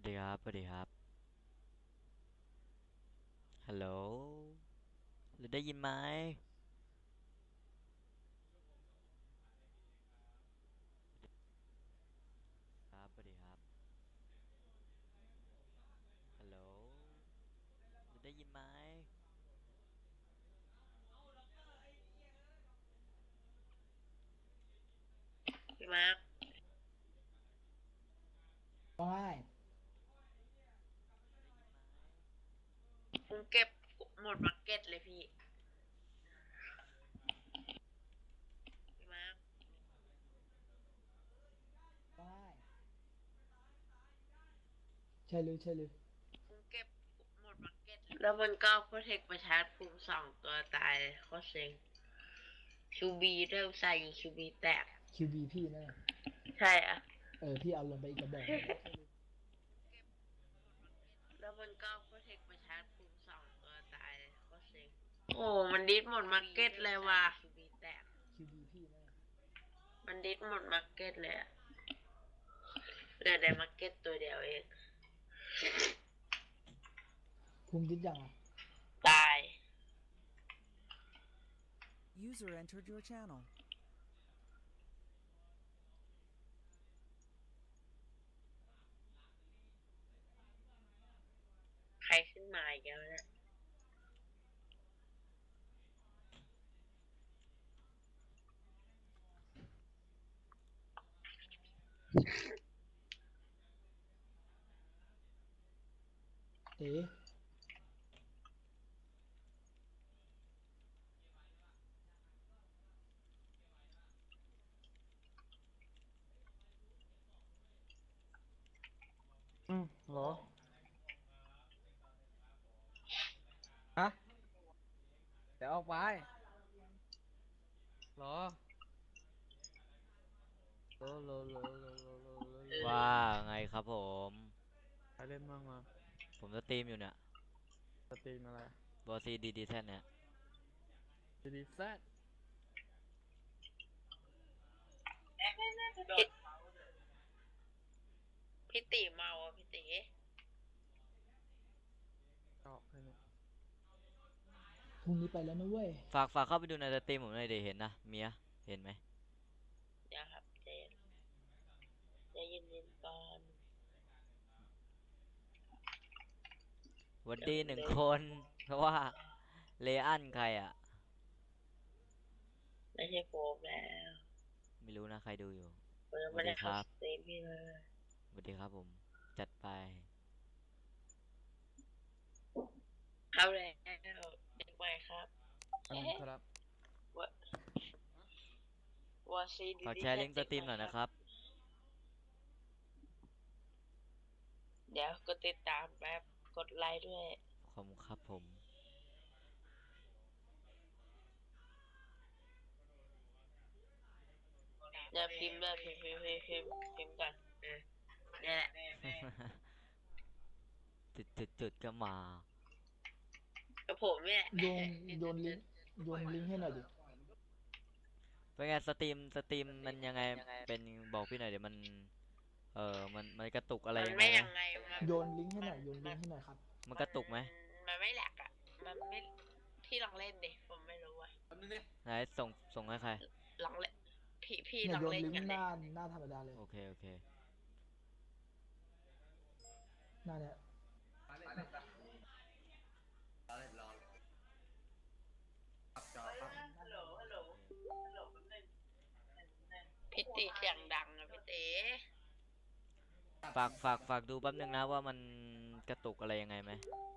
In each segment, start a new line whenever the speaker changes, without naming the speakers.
ดีครับสวัสดีครับฮัลโหลหรือได้ยินไหมครับสวัสดีครับฮัลโหลหรือได้ยินไหม
พี่มาร์ค
ว่าง่าย
ได้ยินไหม
ผมเก็บหมดมาร์เก็ตเลยพี่มาร์ค
ว่าง่ายใช่เลยใช่เลย
ผมเก็บหมดมาร์เก็ตเลยแล้วมันก็โปรเทคประชาร์จภูมิสองตัวตายเลยโคตรเซ็งคิวบีเริ่มใส่อยู่คิวบีแตก
คิวบีพี่นั่นน่ะ
ใช่อะ
พี่เอาลงไปอีกกระบอกหนึ่ง
แล้วมันก็โปรเทคประชาร์จภูมิสองตัวตายเลยโคตรเซ็งโอ้มันดิสหมดมาร์เก็ตเลยว่ะคิวบีแตก
คิวบีพี่นั่นน่ะ
มันดิสหมดมาร์เก็ตเลยอะเหลือในมาร์เก็ตตัวเดียวเอง
ภูมิคิดยังอ่ะ
ตาย
User entered your channel.
ใครขึ้นมาอีกแล้วเนี่ย
เอ๋
เหรอฮะเดี๋ยวออกไปเหรอโล
ว่าไงครับผม
ใครเล่นบ้างมา
ผมสตรีมอยู่เนี่ย
สตรีมอะไร
บอซีดีดีแท่นเนี่ย
ดีดีแซด
พี่พี่ตีเมาอ่ะพี่ตี
ออกให้เนี่ย
พรุ่งนี้ไปแล้วนะเว้ย
ฝากเข้าไปดูในสตรีมผมหน่อยดิเห็นนะเมียเห็นไหม
เดี๋ยวครับใจเย็นๆก่อน
หวัน
เดี๋ยว
ดีหนึ่ง
ผมเดิน
คนเพราะว่าเลอันใครอ่ะ
ไม่ใช่โฟมแล้ว
ไม่รู้นะใครดูอยู่
เปิด
สวั
ไม่ได้เข้าส
สดีครับ
ตรีมพี่เลย
สวัสดีครับผมจัดไป
เข้าแล้วเด็กใหม่ครับ
อัน
เฮ้
นั้นครับ
วะวอซีดี
ฝาก
ดี
แชร์ลิงก์ส
แค่เด็ก
ตรีมหน่อย
ใหม่ครับ
นะครับ
เดี๋ยวกดติดตามแป๊บกดไลค์ด้วย
ขอบคุณครับผม
เดี๋ยวพิมพ์ด้วยพิมพ์ก่อนเนี่ยแหละ
จุดก็มา
กับผมเนี่ย
โยนโยนลิงก์โยนลิงก์ให้หน่อยดิ
เป็นไงสตรีมมันยังไงเป็นบอกพี่หน่อยเดี๋ยวมันมันกระตุกอะไร
มัน
ยังไงไหม
ไม่ยังไง
โยนลิงก์ให้ห
มัน
น่อยโยนลิ
มัน
งก์ให้หน่อยครับ
มันกระตุกไหม
มันไม่แหลกอ่ะมันไม่พี่ลองเล่นดิผมไม่รู้อ่ะ
ไหนส่งให้ใคร
ลองเล่นพี่
เนี่ยโยน
ลองเล่น
ลิงก์หน้า
กันเลย
หน้าธรรมดาเลย
โอเค
หน้าเนี่ย
พี่ตีเสียงดังอะพี่ตี
ฝากดูแป๊บนึงนะว่ามันกระตุกอะไรยังไงไหม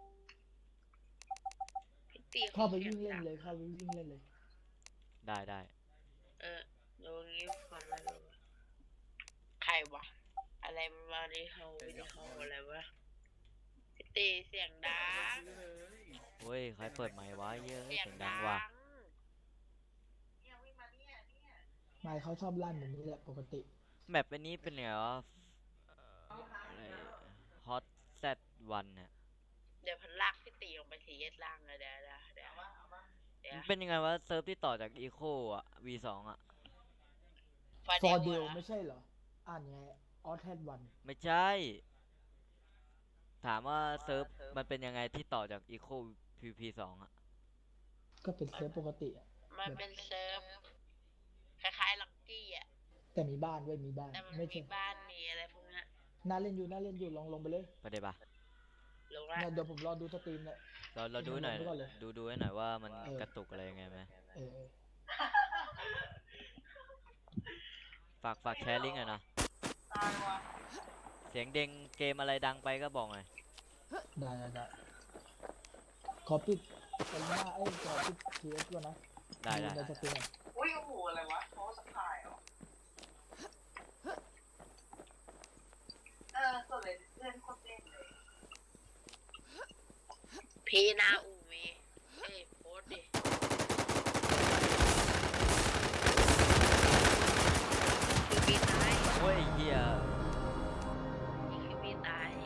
พี่ตีเขา
เข้าไป
เสียง
วิ่งเล่น
ดัง
เลยเข้าไปวิ่งเล่นเลย
ได้
เออดูงี้ผมไม่รู้ใครวะอะไรมาดิเฮาวิดีโออะไรวะพี่ตีเสียงดัง
เฮ้ยใครเปิดไมค์วะเยอะ
เสีย
เสี
งดั
ยงดังว่ะ
ง
ไม่เขาชอบลั่นแบบนี้แหละปกติ
แมปอันนี้เป็นไงวะอะไรฮอตแซดวันเนี่ย
เดี๋ยวพันลากพี่ตีลงไปทีเอสล่างเลยเดี๋ยว
มันเป็นยังไงวะเซิร์ฟที่ต่อจากอีโคอ่ะ V2อ่ะ
ฟา
ฟอร์เด
เดล
ล
นะ
ไม่ใช่เหรออ่านไงออสแทดวัน
ไม่ใช่ถามว่าเซิร์ฟมันเป็นยังไงที่ต่อจาก Eco PVP2 อ่ะ
ก็เป็นเซิร์ฟปกติอะ
มันเป็นเซิร์ฟคล้ายๆล็อกกี้อ่ะ
แต่มีบ้านด้วยมีบ้าน
แต่มัน
ไม่
มี
ใช่
บ้านมีอะไรพวกนั้น
น่าเล่นอยู่น่าเล่นอยู่ลองไปเลย
ไปได้ปะ
ลงละ
เนี่ยเดี๋ยวผมรอดูสตรีมเลย
เราดูหน่อย
ลงไปก่อนเลย
ดูให้หน่อยว่ามัน
เออ
กระตุกอะไรยังไงไหม
เออ
ฝากแชร์ลิงก์หน่อยนะ เสียงเด้งเกมอะไรดังไปก็บอกหน่อย
ได้ขอปิดไปหน้าขอปิดทีเอสก่อนนะ
ได้
ในสตรีม
อุ้ยโอ้โหอะไรวะโพสต์ขายเหรอก็เลยเล่นโคตรเล่นเลยพี่นาอูมีโพสต์ดิคือพี่ตาย
โอ้ยไอ้เฮีย
นี่คือพี่ตาย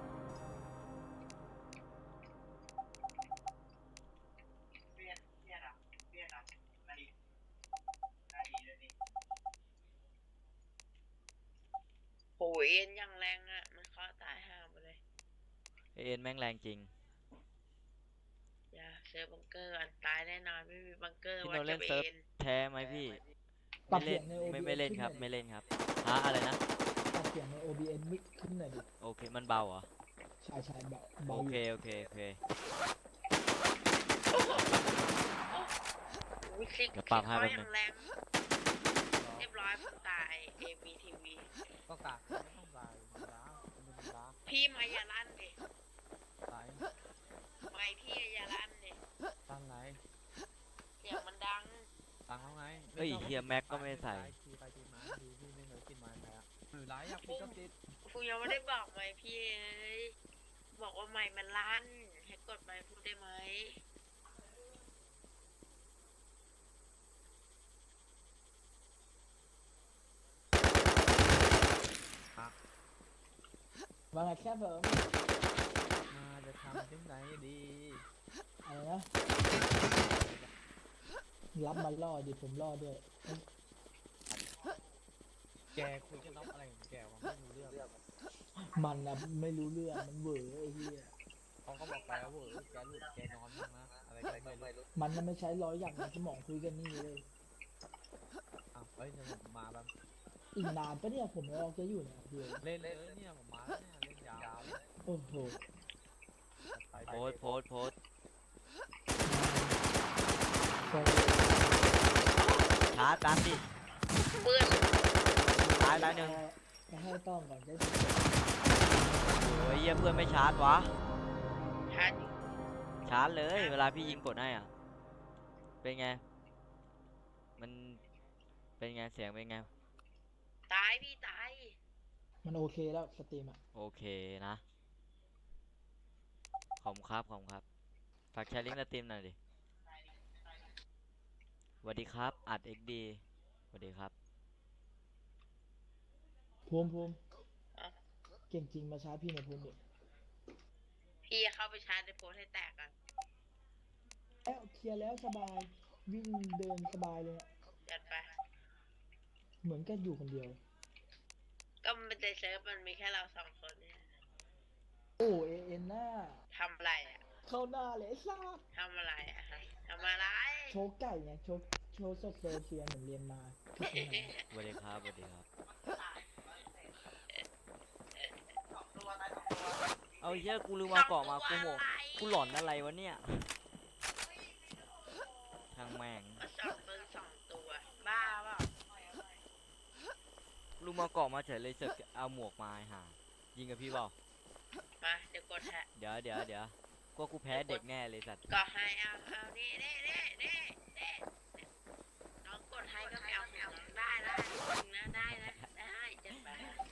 โหเอ็นยังแรงอ่ะ มันเคาะตายห่าไปเลย
เอ็นแม่งแรงจริง
อย่าเซิร์ฟบังเกอร์ก่อนตายแน่นอนไม่มีบังเกอร์
พี่
ว่า
โนเล่
จะ
น
ไป
เซิร์ฟ
เอ็น
แท้ไหมพี่
ปรั
ไม่
บ
เล่
เสีย
น
งใน
ไม่เล่นครับ
ขึ้
ไม่
หอย
เล่นครับฮะอะไรนะ
ปรับเสียงใน OBS มิกขึ้นหน่อยดิ
โอเคมันเบาเหรอ
ใช่เบา
โอ
อยู่
เค
อุ้ยคลิก
เดี๋ยวปรับให้
เขา
แป๊บนึง
อย่างแรง เรียบร้อยผมตาย ABTV
ก็กะไม่ต้องตายมันล้ามันเป็นล้า
พี่มาอย่าลั่นดิ
ตาย
ไม่พี่อย่าลั่นดิ
ตั้งไหน
เสียงมันดัง
ตั้งแล้วไง
เฮ้ยเฮียแม็กก็ไม่ใส่
ทีไปทีมาทีพี่ไม่เคยกินมาใครอ่ะหรือไรอยากปิดก็ปิด
ฟูยังไม่ได้บอกไหมพี่เอ้ยบอกว่าไม่มันลั่น ให้กดไม่พูดได้ไหม
ว่าไงแค่เพิ่ม
มาจะทำยังไงดี
อะไรนะ รับมาล่อดิผมล่อด้วย
แกคุยกันน้องอะไรของแกวะไม่รู้เรื่อง
มันนะไม่รู้เรื่องมันเหวอไอ้เหี้ย
เขาก็บอกไปแล้วเว้ยแกหลุดแกนอนบ้างนะอะไรก็ไม่รู้
มันน่ะไม่ใช้ร้อยอย่างในสมองคุยกันนี่เลย
อ้าวเฮ้ยเดี๋ยวผมมาแบบ
อีกนานปะเนี่ยผมรอแกอยู่เนี่ยเดี๋ยว
เล่นเลยเนี่ยผมมาแล้วเนี่ยเล่นยาวเลย
โอ้โห
ไป
โพสต์
ก็
ชาร์จดันดิ
ปืน
ตายหนึ่ง
จะให้ต้องก่อนจะ
โอ้ยเฮียเพื่อนไม่ชาร์จวะ
ทัน
ชาร์จเลย เวลาพี่ยิงกดให้อ่ะ เป็นไง มันเป็นไงเสียงเป็นไง
ตายพี่ตาย
มันโอเคแล้วสตรีมอ่ะ
โอเคนะ ขอบคุณครับฝากแชร์ลิงก์สตรีมหน่อยดิสวัสดีครับอัด XD สวัสดีครับ
ภูมิเก่งจริงมาช้าพี่หน่อยภูมิดิ
พี่เข้าไปชาร์จในโพสต์ให้แตกกัน
แล้วเคลียร์แล้วสบายวิ่งเดินสบายเลยอะ
จัดไป
เหมือนกันอยู่คนเดียว
ก็มันในเซิร์ฟมันมีแค่เราสองคนเนี่ย
โอ้เอ็นหน้า
ทำอะไรอ่ะ
เข้าหน้าเลยไอ้ซาด
ทำอะไรอ่ะฮะทำอะไร
โชว์ไก่ไงโชว์สดเซอร์เชียร์เหมือนเรียนมาที่เชียงใหม่
สวัสดีครับเอาเหี้ยกูลืมมาเกาะมากูโหกูหลอนอะไรวะเนี่ยช่างแม่ง
มาสองปืนสองตัว บ้าเปล่า
ลืมมาเกาะมาเฉยเลยเสอกเอาหมวกมาให้หายิงกับพี่เปล่า
มาเดี๋ยวกดแฮะ
เดี๋ยวก็กูแพ้เด็กแน่เลยสัตว์
ก็ให้เอานี่น้องกดให้ก็ไม่เอาของน้องได้นะได้จัดไป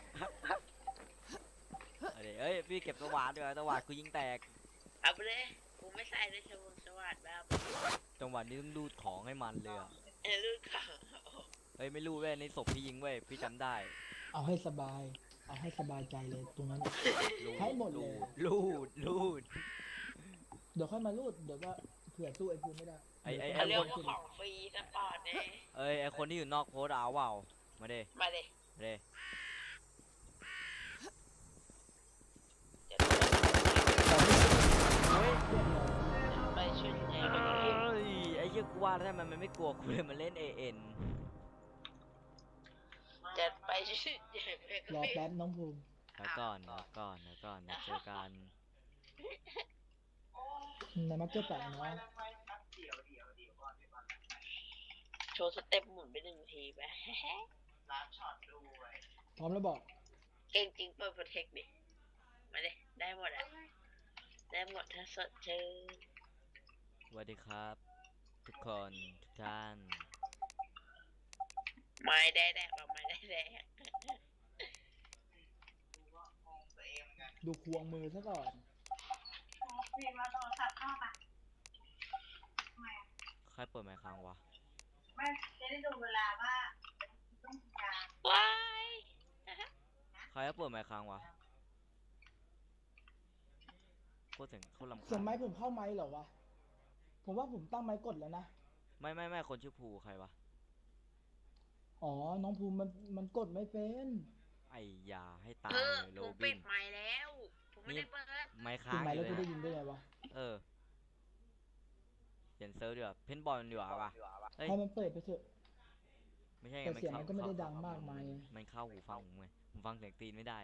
เอาดิเอ้ยพี่เก็บสว่านด้วยสว่านกูยิงแตก
เอาไปเลยกูไม่ใส่ด้วยสวัสดิ์แบบ
จังหวะนี้ต้องรูดของให้มันเลยอ่ะ
ลูกข่าว
เฮ้ยไม่รู้เว้ยในศพพี่ยิงเว้ยพี่จำได้
เอาให้สบาย เอาให้สบายใจเลยตรงนั้นอะ ให้หมดเลย
รูด
เดี๋ยวค่อยมารูดเดี๋ยวก็เผื่อสู้ไอ้ภูมิไม่ได้
ไอ้
เขาเรียก
คน
ว่าของฟรีสปอร์ตเนี่ย
เอ้ยไอคนที่อยู่นอกโพสต์เอาเปล่ามาเด้
มาเลย
มาเด้
เดี๋ยว
ว่าแล้วทำไมมันไม่กลัวกูเลยมันเล่น AN
จัดไปชื่อใหญ่ไปก็
รอ
ไม่
แป๊บน้องภูมิ
แล้วก่อนแล้วก่อนแล้วก่อนนะเจอกัน
ในมาร์เก็ตแปะน้อง
โชว์สเต็ปหมุนไป1 ทีไป
พร้อมแล้วบอก
เก่งจริงเปิดโปรเทคดิมาเลยได้หมดอ่ะได้หมดถ้าสดชื่น
สวัสดีครับ ทุกคนทุกท่าน
ไม่ได้แดกเราไม่ได้แดก
ดูควงมือซะก่อน
ใครเปิดไมค์ค้างวะ
ว้าย
ใครเปิดไมค์ค้างวะโคตรเสียงโคตรลำ
เสีย
คาง ญ
ไม้ผมเข้าไม้เหรอวะ ผมว่าผมตั้งไม้กดแล้วนะ
ไม่คนชื่อภูใครวะ
อ๋อ น้องภูมิมันกดไม่เป็น
ไอ้ยาให้ตาย
เออ
เลยโร
ผม
บิ
ปิ
น
ดไมค์แล้วผมไม่ได้เปิด
ไมค์
ถึ
ค้าง ง
ไม้
อ
แล้ว
ยู่
กู
เลย
ได้ยินได้ไงวะ
เออเปลี่ยนเซิร์ฟดีกว่าเพนบอลดีกว่าปะเฮ้ย
ให้มันเปิดไปเถอะ
ไม่ใช่ไง
แต่เสียงมันก็ไม่ได้ดังมากมาย
มันเข้าหูฟังผมไงผมฟังเสียงตีนไม่ได้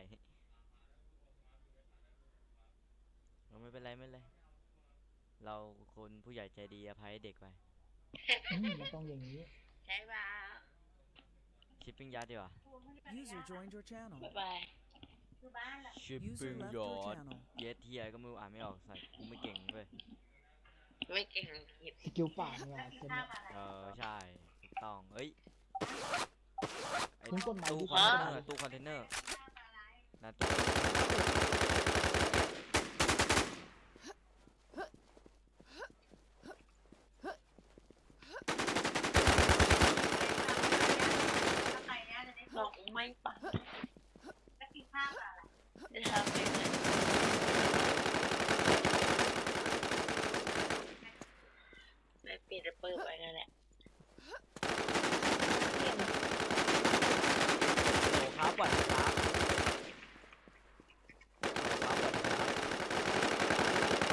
เราไม่เป็นไรไม่เป็นไรเราคนผู้ใหญ่ใจดีอภัยให้เด็กไป
มันต้องอย่างนี้
ใช่ป่ะ
ชิปปิ้งยัดดีกว่า
User joined your channel.
บ๊ายบาย
ชิป
User
ปิ้ง
left
ย
your
อด
channel.
เยสเทียก็ไม่รู้อ่านไม่ออกใส่กูไม่เก่งเลย
ไม่เก่งอังกฤษ
สกิลปากเนี่ยเต็มเนี่ย
ใช่ถูกต้องเอ้ยไอ้
คุณกดไมค์
ตู้
ดิ
คอนเทนเนอร์ตู้คอนเทนเนอร์นะตู้
บอกไม่ปังจะทำไม่เลยไม่ปิดแล้วเปิดไปนั่นแหละ
โอ้ครับสวัสดีครับครับสวัสดีครับ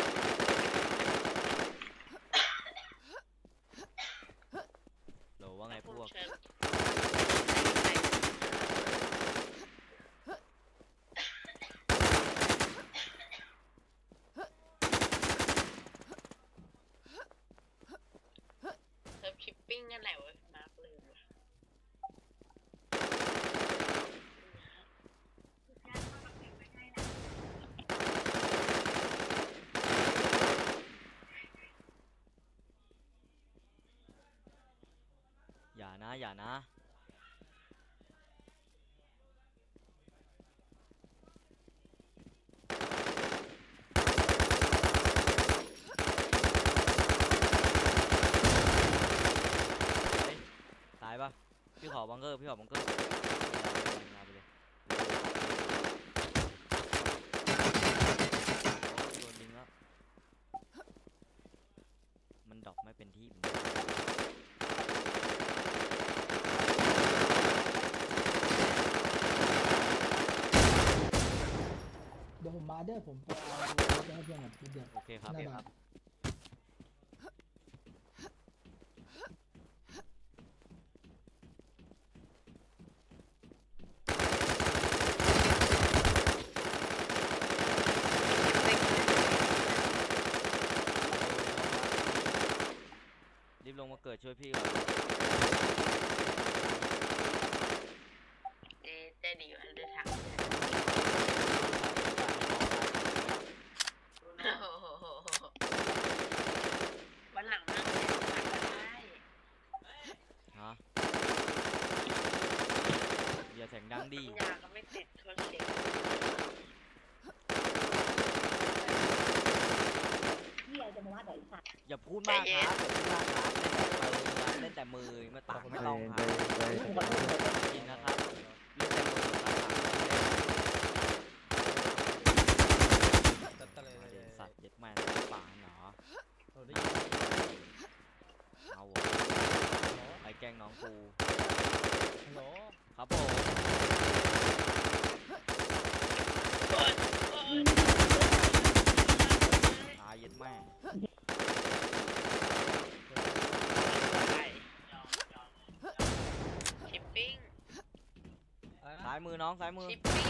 โหลว่าไงพ
ผม
วก
เชิญเซิร์ฟชิปปิ้งนั่นแหละเว้ยมาร์คลืมว่ะ
อย่านะอย่านะเฮ้ยตายปะพี่ขอบังเกอร์พี่ขอบังเกอร์เอาไปเลยโอ้โดนยิงแล้วมันดรอปไม่เป็นที่เป็นทาง
เดี๋ยวผมมาเด้อผมไปเอาไปให้เพื่อนหน่อยทีเดียว
โอเคครับ
นั่นแหละ
รีบลงมาเกิดช่วยพี่ก่อน
เต้นอยู่อันเดอร์ทางวันหลังนั่งเล่นกันได้
ฮะอย่าเสียงดังดิ
ยาก็ไม่ติดโทษเสียง
อย่าพูดมากครับเล่นแต่มือมาตักไม่ต้องครับจริงนะครับเล่นแต่มือครับเดี๋ยวสัตว์เย็ดแม่ป่าเหรอเอาวะไปแกล้งน้องกูครับผมตายเย็ดแม่ายมือน้องซ้ายมือ
ชิปปี้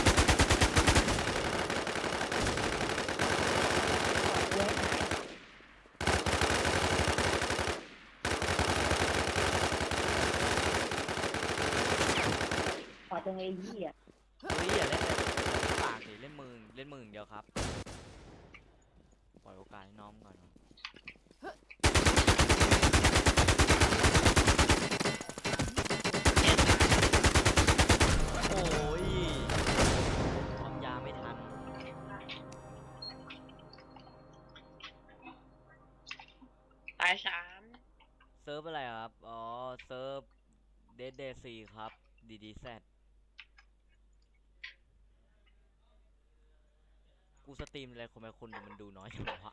ขอจังเลยพี่อ่ะ
เฮ้ยอย่าเล่นเลยปากดิเล่นมืออย่างเดียวครับปล่อยโอกาสให้น้องก่อนโอ้ยความยาไม่ทัน
ตาย3
เซิร์ฟอะไรครับอ๋อเซิร์ฟเดดเดซีครับDDZกูสตรีมอะไรคนดูมันดูน้อยจังวะ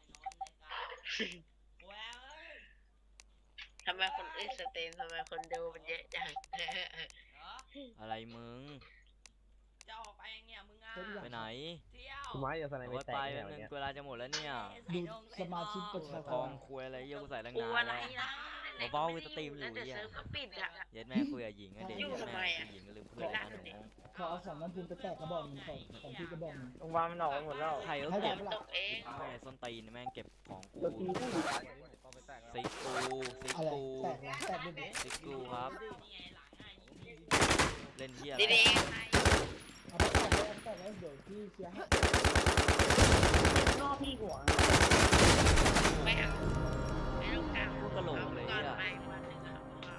ทำไมคนอื่นสตรีมทำไมคนดูมันเยอะจัง
อะไรมึง
จะออกไปยังเนี่ยมึงอ่ะ
ไปไหน
เที่ยว
คุณไม้อย่าสไน
เอา
ไม่
ไว้
แต
ไป
ก
แป๊
แน่
บ
วัน
นึง
เนี้ย
เวลาจะหมดแล้วเนี่ย
ดูสมาชิกประชา
ท
ช
อง
น
คุยอะไรเยอะกูใส่ตั้ง
กู
นาน
อะไร
แล้ว
นะ
เบาๆกูสตรีมอยู่
แล้วเดี๋ยว
เหี้ย
เซิร์ฟก็ปิดอ่ะ
เย็ดแม่คุยกับหญิงอะเด็ก
ยุ่ง
เย็ด
ทำไม
แม่
อะ
หญิงก็ลืมเพื่อนนะหนู
ขอเอาของน้ำพุนไปแตกกระบอกหนึงของพี่กระบอกหนึง
โรงพยาบาลมันออกไปหมดแล้ว
ใครก็
ให้
เก็บ
ได้ปะ
ตกเอง
แม่ส้นตีนแม่งเก็บของกู
ตัวทีผู้
ซิกกูซิก
อะไร
กู
แตกนะแตกด้วยดิ
ซิกกูครับ
นี่ไงหลังอ่ะยิง
เล่นเฮียอะไร
ดี
เอาไปแตกไว้เอาไปแตกไว้เดี๋ยวพี่เคลียร์ให้
นอกพี่หัว
ๆไม่เอาไม่ต้องกล่าว
พูดกระโหลกเลย
ก่อน
อ่ะ
ไปวันหนึ่งอะบอก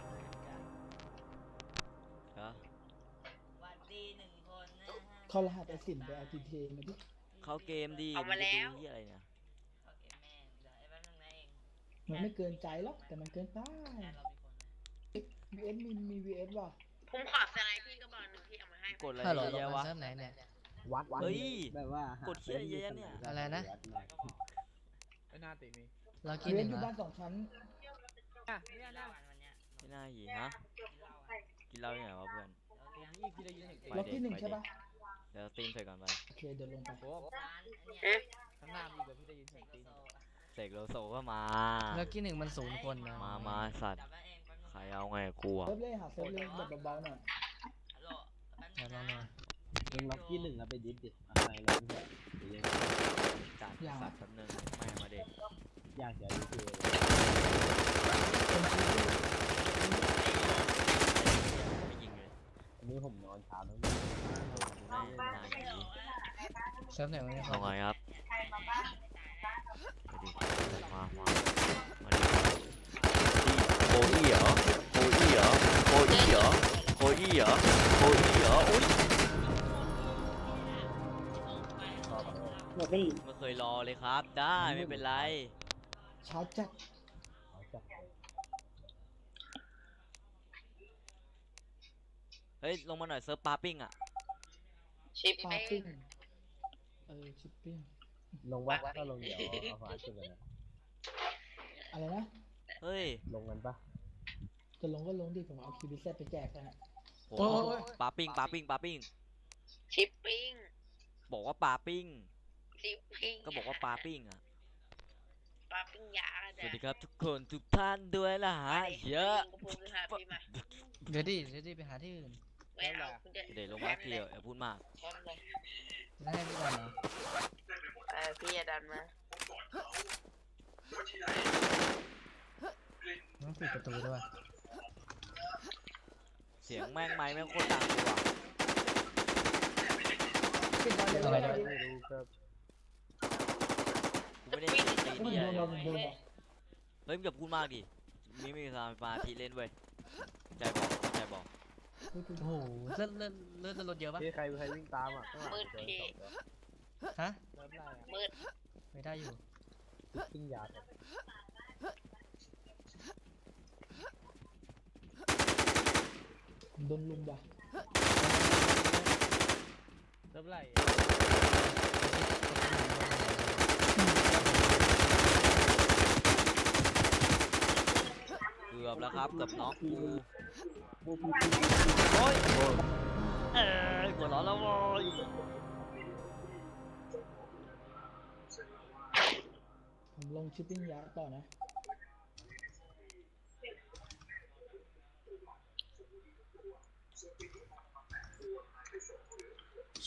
ฮะ
หวัดดีหนึ่งคนนะฮะ
เข้ารหัสไอสินไปเอาทีเทมาดิ
เข้าเกมดี
เอามาแล้ว
งจะดูเฮียอะไรเนี่ย
โอเคแม่เดี๋ยวไอ้แป๊บนึงนะเอง
มันไม่เกินใจหรอกแต่มันเกินไป
แค่เรามีคนนะ
VS มี VS ว่ะ
ผมขอสไลด์พี่ก็บอกหนึ่งที่เอามาให้
กดอะไร
ฮัลโหล
เยอะแยะวะ
เซิร์ฟไหนเนี่ย
วัด
เฮ้ย
แบบว่าก
ดเชี่ยเยอะแยะเนี่ย
อะไรนะ
ไม่น่าติมี
เรากินห
VS
นึ่ง
อยู่
เหร
บ้า
อน
2 ชั้น
กินเหล้าวันเนี้ย
ไม่น่าหยีฮะ
กินเหล้าอ่ะ
กินเหล้าที่ไหนวะเพื่อน
นี่พี่ได้ยินเสียงตี
ล็อกที่ 1 ใช่ปะ
เดี๋ยวตีนเสร็จก่อนไป
โอเคเดี๋ยวลงไป
โอ้
ร้านอันเนี้ย
ข้างหน้ามีแบบพี่ได้ยินเสียงตี
โซ
เสกโลโซก็มา
เรากินหนึ่งมัน0 คนนะ
มาสัตว์
จับไว้เองแป๊บนึง
ใครเอาไงกับกูอะ
เซิร์ฟเลยหาเซิร์ฟเลยแบบเบาๆหน่อย
ฮัลโหลแป๊บ
เดี๋ยว
นึ
ลอง
ง
หน่
นะ
อย
มึงล็อกที่หนึ่งแล้วไปยึดดิอะไรเลยเดี๋ยว
จัดสัตว์แป๊บนึงไม่มาเด็ก
อยากจะดูคือ
ไม่ยิงเลย
วันนี้ผมนอนเช้าทั้ง
ดูได้นานอย่างนี้
เซิร์ฟไหนวะเนี่ย
เอาไงครับไปดิมาดิโคอี้เหรอโคอี้เหรอโคอี้เหรอโคอี้เหรอโคอี้เหรออุ้ย
หมดไม่ดี
ไม่เคยรอเลยครับ ได้ไม่เป็นไร
ช้าจัด
เฮ้ยลงมาหน่อยเซิร์ฟปาปิ้งอะ
ชิป
ปา
เป้
ปิ้งชิปปิ้ง
ลงวัดถ้าลงเดี๋ยวเอาฟ้าขึ้นเลยนะ
อะไรนะ
เฮ้ย
ลงกันปะ
จะลงก็ลงดิผมเอาคิวบิเซตไปแจกกันอะ
โหปาปิ้งปาปิ้งปาปิ้ง
ชิปปิ้ง
บอกว่าปาปิ้ง
ชิปปิ้ง
ก็บอกว่าปาปิ้งอะ
ปลาปิ้งยา
สวัสดีครับทุกคนทุกท่านด้วยล่ะฮะเยอะ
กูพูดคือหาพี่มา
เดี๋ยวดิไปหาที่อื่น
ไม่เอาคุณจะ
เดี๋ยวลงมาทีเดียวอย่าพูดมาก
แคมเลย
จะให้พี่ก่อนเหรอ
พี่อย่าดันมา
ต้องปิดประตูด้วย
เสียงแม่งไม้แม่งโคตรดังเลยว่ะ
ปิดบอลเลย
อะไร
เลย
นะ
ไม่รู้ครับ
กูไม่ได้ตี
ให้มัน
เดีย
โดน
เล
เรา
ย
โดนเรา
เฮ้ยมึงอย่าพูดมากดิมีสมาธิเล่นเว้ยใจบอก
โอ้โหเลือดรถเยอะปะ
พี่ใครวิ่งตามอ่ะข้างหลังเจอสองตัว
ฮะ
เริ่มไล่อ่ะ
มืด
ไม่ได้อยู่
ปิ้งยา
โดนลุมว่ะ
เริ่มไล่
เกือบแล้วครับเกือบน็อกกู
บูพี
โอ้ยหัวร้อนแล้วโว้ย
ผมลงชิปปิ้งยาต่อนะ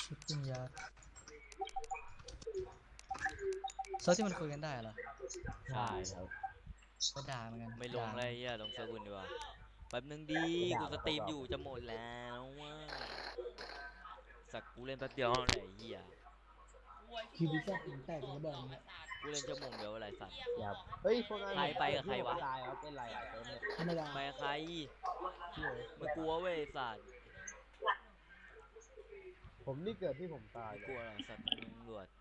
ชิปปิ้งยาร์ดเซิร์ฟที่มันคุยกันได้เหรอ
ใช่ครับ
ก็ด่าเหมือนกัน
ไม่ลง
ด่า
อะไรเหี้ยลงเซิร์ฟอื่นดีกว่าแป๊บนึงดีกูสตรีมอยู่จะหมดแล้วว่ะสักกูเล่นแป๊บเดียวอะไรเหี้ย
คิวบิซ่าถึงแตกระเบิดเนี่ย
กูเล่นชั่วโมงเดียวอะไรสัตว์
อย่าเฮ้ยพวกนั้น
ใครไปกับใครวะ
ตายครับเป็นไรอ่ะเต็มเลย
ธรรมดา
ไปกับใครไม่กลัวเว้ยสัตว์
ผมนี่เกิดที่ผมตาย
ไม่กลัวหรอกสัตว์ตำรวจ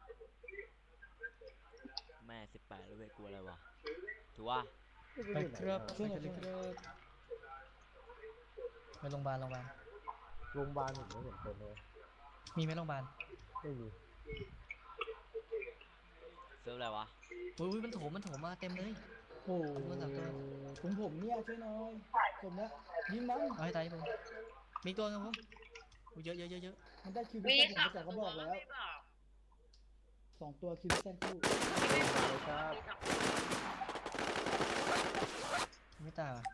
แม่18แล้วเว้ยกลัวอะไรวะถูกว่า
ไปครับ
ช่วยหน่อยช่วยหน่อย
ไปโรงพยาบาล
โรงพยาบาลผมไม่เห็นคนเลย
มีไหมโรงพยาบาล
ไม่มี
เซิร์ฟอะไรวะ
อุ้ยมันโถมมาเต็มเลย
โอ้โห
มันสามตัว
ของผมเนี่ยช่วยหน่อยผมเนี่ยยิงมัน
เอาให้ตายผมมีตัวครับผมอุ๊ยเยอะ
มันได้คิวบิ
มี
ซ่าผม
สอง
ไป
ตัว
2 กระบอกแล้ว
ไม่บอก
2 ตัวคิวบิซ่าคู่
ไม่บอก
ครับ
มีสอง
ไม่ตายว่ะ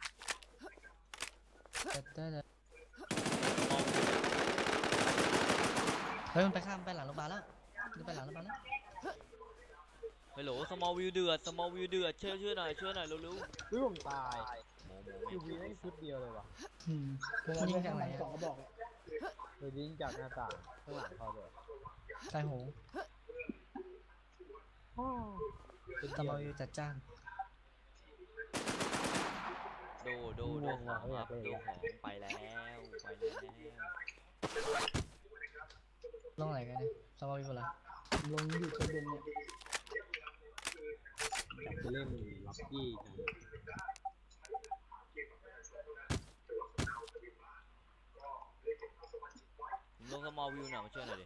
แต่เฮ้ยมันไปข้ามไปหลังโรงพยาบาลแล้วมันไปหลังโรงพยาบาลแล้ว
ฮัลโหลสมอลวิวเดือดช่วยหน่อยเร็ว
เฮ้ยผมตาย
ๆโม
คิวบี
ไม่
ได้ชุดเดียวเลยว่ะ
ผมยิงจากไหน2 กระบอกเลย
โดยยิงจากหน้าต่างข้างหลังเขาเลย
ตายโหง
เป็น
ตะ
เดียว
มออยู่จัดจ้าน
โดของครับโดของไปแล้ว
ลงไหนกันเนี่ยตะมออยู่เหรอ
ลงอยู่ชั้นบนเนี่ย
อยากไปเล่นล็อกกี้กัน
ผมลงสมอลวิวหน่อยมาช่วยหน่อยดิ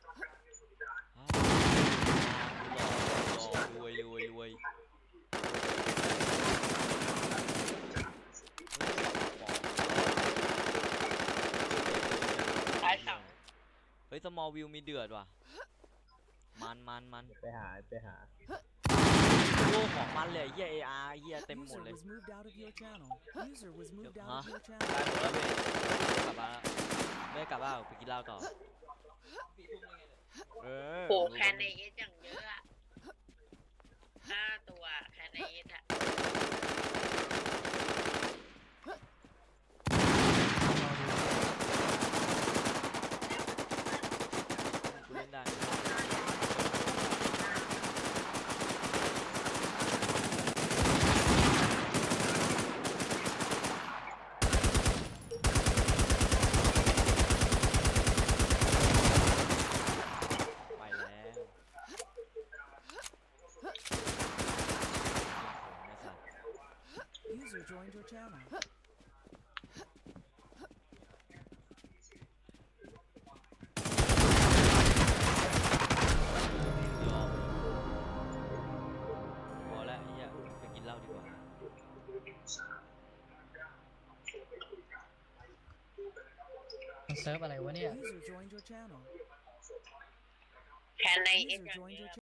รวย
ตายสอง
เฮ้ยสมอลวิวมีเดือดว่ะมัน
ไปหา
โอ้ของมันเลยเฮีย AR เฮียเต็มหมด
User
เลย
was moved out of your channel. User was moved out
Huh?
of your
ได้
channel.
หมดแล้วเว้ยไม่กลับบ้านไปกินเหล้าต่อ
โหแคนในเอสอย่างเยอะอะ5 ตัวแคนในเอสอะ
กูเล่นได้ไปแล้ว
User joined your channel.
พอแล้วไอ้เหี้ยไปกินเหล้าดีกว่า
มันเซิร์ฟอะไรวะเนี่ย
User joined your channel.
แคนในเอส
User
อย่าง
joined
เย
your
อะ
channel.